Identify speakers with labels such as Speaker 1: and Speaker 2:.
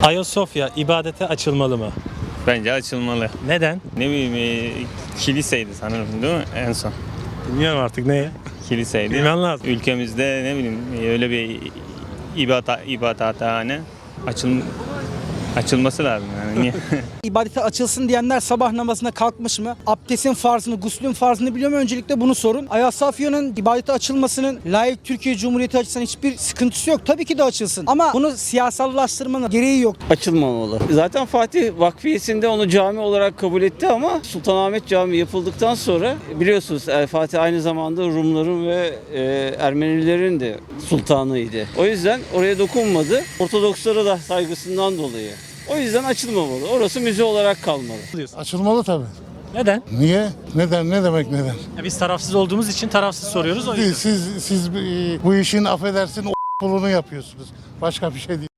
Speaker 1: Ayasofya ibadete açılmalı mı?
Speaker 2: Bence açılmalı.
Speaker 1: Neden?
Speaker 2: Ne bileyim kiliseydi sanırım değil mi en son?
Speaker 1: Bilmiyorum artık ne?
Speaker 2: Kiliseydi.
Speaker 1: Bilmem lazım.
Speaker 2: Ülkemizde ne bileyim öyle bir ibadathane açılması lazım yani. Niye?
Speaker 3: İbadete açılsın diyenler sabah namazına kalkmış mı? Abdestin farzını, guslün farzını biliyor mu? Öncelikle bunu sorun. Ayasofya'nın ibadete açılmasının layık Türkiye Cumhuriyeti açısından hiçbir sıkıntısı yok. Tabii ki de açılsın. Ama bunu siyasallaştırmanın gereği yok.
Speaker 4: Açılmamalı. Zaten Fatih Vakfiyesi'nde onu cami olarak kabul etti ama Sultanahmet Camii yapıldıktan sonra biliyorsunuz Fatih aynı zamanda Rumların ve Ermenilerin de sultanıydı. O yüzden oraya dokunmadı. Ortodokslara da saygısından dolayı. O yüzden açılmamalı. Orası müze olarak kalmalı.
Speaker 5: Açılmalı tabii.
Speaker 1: Neden?
Speaker 5: Niye? Neden? Ne demek neden?
Speaker 1: Ya biz tarafsız olduğumuz için tarafsız soruyoruz o yüzden.
Speaker 5: Siz bu işin affedersin o pulunu yapıyorsunuz. Başka bir şey değil.